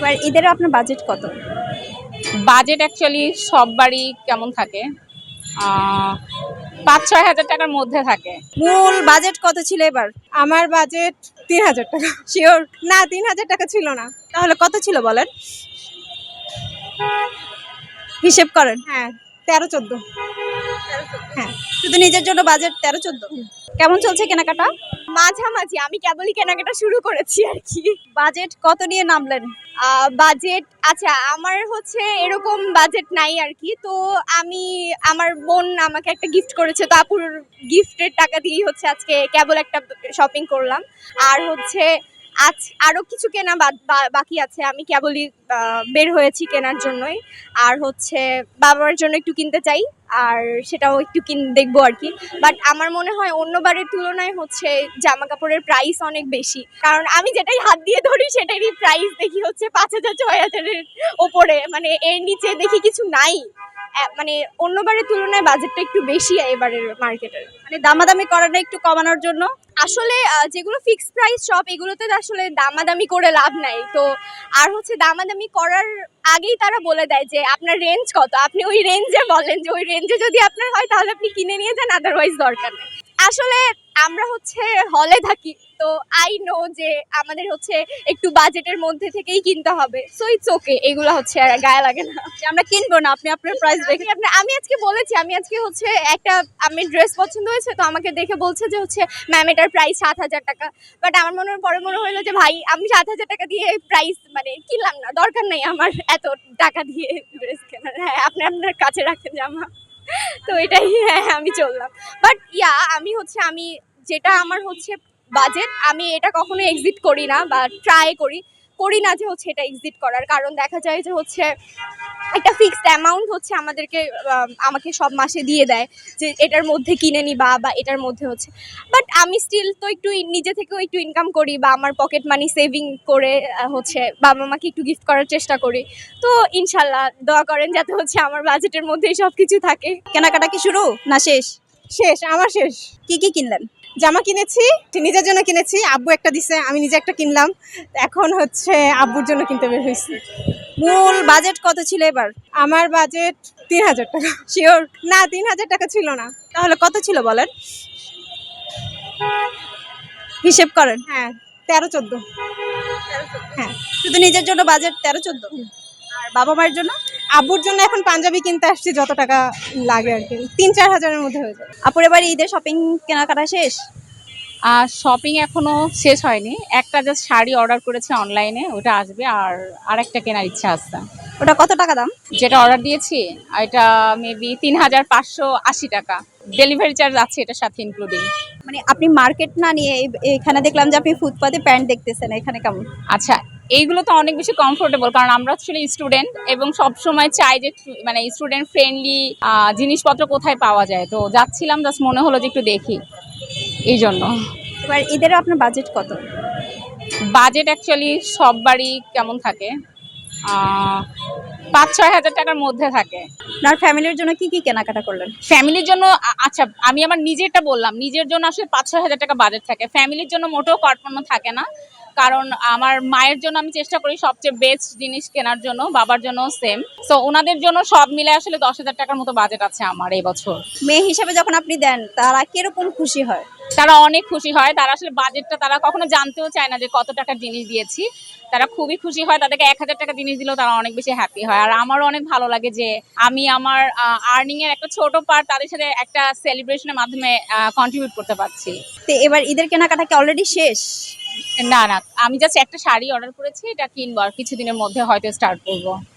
এবার ঈদের আপনার বাজেট কত? বাজেট অ্যাকচুয়ালি সব বাড়ি কেমন থাকে, ৫-৬ হাজার টাকার মধ্যে থাকে। মূল বাজেট কত ছিল এবার? আমার বাজেট ৩,০০০ টাকা। শিওর? না, ৩,০০০ টাকা ছিল না। তাহলে কত ছিল বলেন? হিসেব করেন। হ্যাঁ, ১৩-১৪। হ্যাঁ, শুধু নিজের জন্য বাজেট ১৩-১৪। কেমন চলছে কেনাকাটা? মাঝামাঝি, আমি কেবলই কেনাকাটা শুরু করেছি আর কি। বাজেট কত নিয়ে নামলেন? বাজেট আচ্ছা, আমার হচ্ছে এরকম বাজেট নাই আর কি। তো আমি, আমার বোন আমাকে একটা গিফট করেছে, তো আপুর গিফটের টাকা দিয়েই হচ্ছে আজকে কেবল একটা শপিং করলাম। আর হচ্ছে আজ আরো কিছু কেনা বাকি আছে, আমি কেবলই বের হয়েছি কেনার জন্যই। আর হচ্ছে বাবার জন্য একটু কিনতে চাই, আর সেটাও একটু দেখবো আর কি। বাট আমার মনে হয় অন্য বারের তুলনায় হচ্ছে জামা কাপড়ের প্রাইস অনেক বেশি, কারণ আমি যেটাই হাত দিয়ে ধরি সেটারই প্রাইস দেখি হচ্ছে ৫,০০০-৬,০০০-এর ওপরে, মানে এর নিচে দেখি কিছু নাই। মানে অন্যবারের তুলনায় বাজেটটা একটু বেশি এবারের মার্কেটের। মানে দামাদামি করে না একটু কমানোর জন্য? আসলে যেগুলো ফিক্স প্রাইস শপ, এগুলোতে তো আসলে দামাদামি করে লাভ নাই। তো আর হচ্ছে দামাদামি করার আগেই তারা বলে দেয় যে আপনার রেঞ্জ কত, আপনি ওই রেঞ্জে বলেন যে ওই রেঞ্জে যদি আপনার হয় তাহলে আপনি কিনে নিয়ে যান, আদারওয়াইজ দরকার নেই। আসলে আমরা হচ্ছে হলে থাকি, তো আই নো যে আমাদের হচ্ছে একটু বাজেটের মধ্যে থেকেই কিনতে হবে। সো ইটস ওকে, এগুলো হচ্ছে আর গায়ে লাগে না যে আমরা কিনবো না, আপনি আপনার প্রাইস রেখে। আমি আজকে বলেছি, আমি আজকে হচ্ছে একটা আমি ড্রেস পছন্দ হয়েছে, তো আমাকে দেখে বলছে যে হচ্ছে ম্যাম এটার প্রাইস ৭,০০০ টাকা। বাট আমার পরে মনে হলো যে ভাই, আমি ৭,০০০ টাকা দিয়ে প্রাইস মানে কিনলাম না, দরকার নেই আমার এত টাকা দিয়ে ড্রেস কেনার। হ্যাঁ, আপনি আপনার কাছে রাখেন জামা, তো এটাই। হ্যাঁ, আমি চললাম। বাট আমি হচ্ছে আমি যেটা আমার হচ্ছে বাজেট, আমি এটা কখনো এক্সিট করি না বা ট্রাই করি না যে হচ্ছে এটা এক্সিট করার, কারণ দেখা যায় যে হচ্ছে একটা ফিক্সড অ্যামাউন্ট হচ্ছে আমাকে সব মাসে দিয়ে দেয় যে এটার মধ্যে কিনে নিবা বা এটার মধ্যে হচ্ছে। বাট আমি স্টিল তো একটু নিজে থেকেও একটু ইনকাম করি বা আমার পকেট মানি সেভিং করে হচ্ছে বাবা মাকে একটু গিফট করার চেষ্টা করি। তো ইনশাল্লাহ দোয়া করেন যাতে হচ্ছে আমার বাজেটের মধ্যেই সব কিছু থাকে। কেনাকাটা কি শুরু না শেষ? শেষ, আমার শেষ। কি কিনলেন? জামা কিনেছি, নিজের জন্য কিনেছি, আব্বু একটা দিছে, আমি নিজে একটা কিনলাম। এখন হচ্ছে আব্বুর জন্য কিনতে বের হয়েছি। মূল বাজেট কত ছিল এবার? আমার বাজেট ৩,০০০ টাকা। শিওর? না, ৩,০০০ টাকা ছিল না। তাহলে কত ছিল বলেন? হিসেব করেন। হ্যাঁ, ১৩-১৪। হ্যাঁ, শুধু নিজের জন্য বাজেট ১৩-১৪। আর বাবা মায়ের জন্য? আব্বুর জন্য এখন পাঞ্জাবি কিনতে আসছি, যত টাকা লাগে আর কি, ৩-৪ হাজারের মধ্যে হয়ে যাবে। আপুর এবার ঈদের শপিং কেনাকাটা শেষ? আর শপিং এখনো শেষ হয়নি, একটা জাস্ট শাড়ি অর্ডার করেছে অনলাইনে, ওটা আসবে। আর আরেকটা কেনার ইচ্ছা আছে। ওটা কত টাকা দাম? যেটা অর্ডার দিয়েছি এটা মেবি ৩,৫৮০ টাকা, ডেলিভারি চার্জ আছে এটার সাথে ইনক্লুডিং। মানে আপনি মার্কেট না নিয়ে এখানে দেখলাম যে আপনি ফুটপাতে প্যান্ট দেখতেছেন, এখানে কেমন? আচ্ছা, এইগুলো তো অনেক বেশি কমফোর্টেবল, কারণ আমরা আসলে স্টুডেন্ট এবং সব সময় চাই যে মানে স্টুডেন্ট ফ্রেন্ডলি জিনিসপত্র কোথায় পাওয়া যায়। তো যাচ্ছিলাম, জাস্ট মনে হলো যে একটু দেখি, এই জন্য। এবার ঈদের আপনার বাজেট কত? বাজেট অ্যাকচুয়ালি সব বাড়ি কেমন থাকে, ৫-৬ হাজার টাকার মধ্যে থাকে। আপনার ফ্যামিলির জন্য কি কেনাকাটা করলেন? ফ্যামিলির জন্য আচ্ছা, আমি আমার নিজেরটা বললাম, নিজের জন্য আসলে ৫-৬ হাজার টাকা বাজেট থাকে, ফ্যামিলির জন্য মোটেও কর্পণ্য থাকে না। কারণ আমার মায়ের জন্য আমি চেষ্টা করি সবচেয়ে বেস্ট জিনিস কেনার জন্য, বাবার জন্য সেম। সো ওনাদের জন্য সব মিলে আসলে ১০,০০০ টাকার মতো বাজেট আছে আমার এই বছর। মেয়ে হিসেবে যখন আপনি দেন, তারা কিরকম খুশি হয়? তারা অনেক খুশি হয়, তারা আসলে বাজেটটা তারা কখনো জানতেও চায় না যে কত টাকার জিনিস দিয়েছি। তারা খুবই খুশি হয়, তাদেরকে ১,০০০ টাকা জিনিস দিলেও তারা অনেক বেশি হ্যাপি হয়। আর আমারও অনেক ভালো লাগে যে আমি আমার আর্নিং এর একটা ছোট পার্ট তাদের সাথে একটা সেলিব্রেশনের মাধ্যমে কন্ট্রিবিউট করতে পারছি। তো এবার ঈদের কেনাকাটা কি অলরেডি শেষ? না, আমি জাস্ট একটা শাড়ি অর্ডার করেছি, এটা কিনবো আর কিছুদিনের মধ্যে হয়তো স্টার্ট করবো।